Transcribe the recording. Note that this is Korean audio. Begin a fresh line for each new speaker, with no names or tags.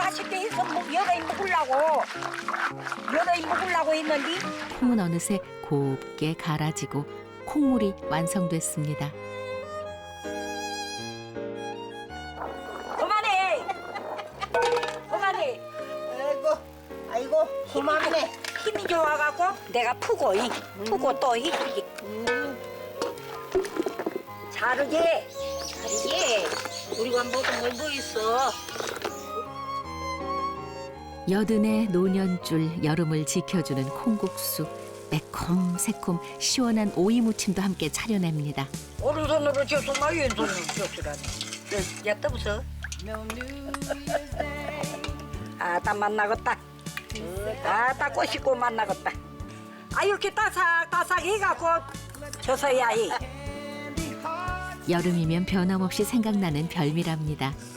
맛있게 해서 여러이 먹으려고 했는데
콩은 어느새 곱게 갈아지고 콩물이 완성됐습니다.
그만해.
아이고, 고맙네.
힘이 좋아갖고 내가 푸고 또 자르지. 우리가 먹은 걸 뭐 있어.
여든의 노년줄 여름을 지켜주는 콩국수, 매콤 새콤 시원한 오이 무침도 함께 차려냅니다.
오른손으로 줬으나 왼손으로 줬으라니. 야 떠보소. 아따 만나겠다. 아따 꼬시고 만나겠다. 아 이렇게 따삭따삭 해갖고 져서야 해.
여름이면 변함없이 생각나는 별미랍니다.